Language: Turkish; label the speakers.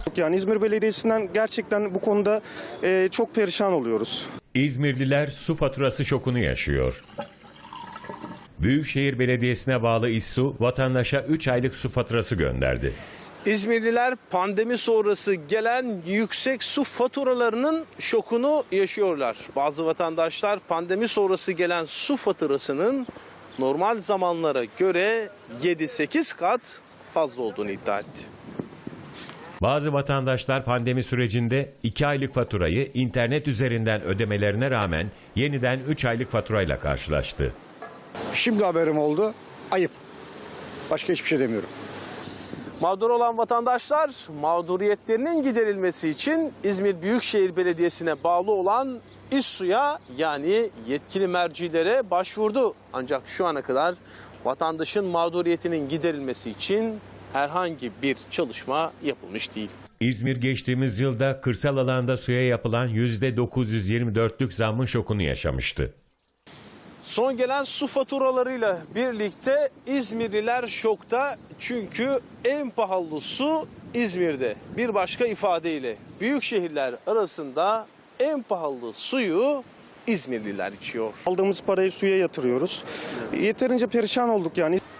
Speaker 1: Yani İzmir Belediyesi'nden gerçekten bu konuda çok perişan oluyoruz.
Speaker 2: İzmirliler su faturası şokunu yaşıyor. Büyükşehir Belediyesi'ne bağlı İSSU vatandaşa 3 aylık su faturası gönderdi.
Speaker 3: İzmirliler pandemi sonrası gelen yüksek su faturalarının şokunu yaşıyorlar. Bazı vatandaşlar pandemi sonrası gelen su faturasının normal zamanlara göre 7-8 kat fazla olduğunu iddia etti.
Speaker 2: Bazı vatandaşlar pandemi sürecinde 2 aylık faturayı internet üzerinden ödemelerine rağmen yeniden 3 aylık faturayla karşılaştı.
Speaker 4: Şimdi haberim oldu. Ayıp. Başka hiçbir şey demiyorum.
Speaker 3: Mağdur olan vatandaşlar mağduriyetlerinin giderilmesi için İzmir Büyükşehir Belediyesi'ne bağlı olan İSSU'ya yani yetkili mercilere başvurdu. Ancak şu ana kadar vatandaşın mağduriyetinin giderilmesi için herhangi bir çalışma yapılmış değil.
Speaker 2: İzmir geçtiğimiz yılda kırsal alanda suya yapılan %924'lük zammın şokunu yaşamıştı.
Speaker 3: Son gelen su faturalarıyla birlikte İzmirliler şokta çünkü en pahalı su İzmir'de. Bir başka ifadeyle büyük şehirler arasında en pahalı suyu İzmirliler içiyor.
Speaker 1: Aldığımız parayı suya yatırıyoruz. Yeterince perişan olduk yani.